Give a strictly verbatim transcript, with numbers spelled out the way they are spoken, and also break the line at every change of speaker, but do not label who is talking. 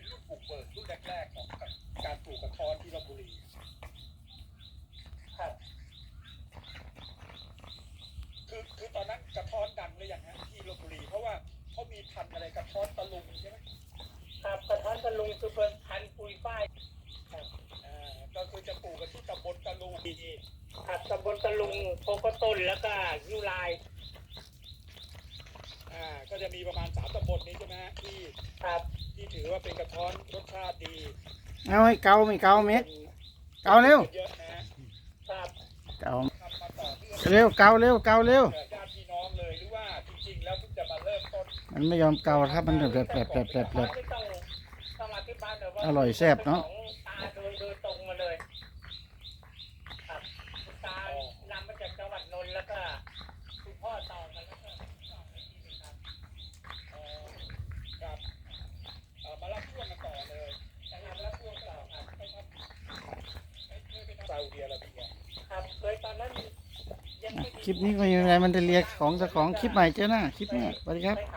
รุ่นปลูกเบิกรุ่นแรกๆของการปลูกกระท้อนที่ลพบุรีครับคือคือตอนนั้นกระท้อนดังเลยอย่างฮะที่ลพบุรีเพราะว่าเขามีพันธุ์อะไรกระท้อนตะลุงใช่ไหมครับกระท้อนตะลุงคือเป็นพันธุ์ปุยฝ้ายครับอ่าก็คือจะปลูกกันที่ตำบลตะลุงดีครับตำบลตะลุงโพกต้นแล้วก็ยูไลอ่าก็จะมีประมาณสามตำบลนี้ใช่ไหมฮะที่ครับที่ถือว่าเป็นกระท้อนรสชาติดี
เอาให้เกาไม่เกาเม็ดเกาเร็ว
เยอะนะ
เกาเร็วเกาเร็วเกาเร็ว
ญาติพี่น้องเลยหรือว่าจริงๆแล้วเพิ่งจะมาเริ่มต้น
มันไม่ยอมเกาครับมันแบบแบบแบบแบบแบบแบบอร่อยแซ่บเนาะ
ตาโดยโดยตรงมาเลยครับคุณตานำมาจากจังหวัดนนท์แล้วก็คุณพ่อต่อมาแล้วก็ต่อไปที่นี่ครับอ๋อครับเอ่อมารับช่วงกันต่อเลยจะนำรับช่วงต่อครับไปทำเคยไปทำซาอุดิอาระเบียครับเคยตอนนั้นยังไม่
คลิปนี้ก็ยังไงมันจะเรียกของเจ้าของคลิปใหม่เจ้าหน้าคลิปเนี้ยสวัสดีครับ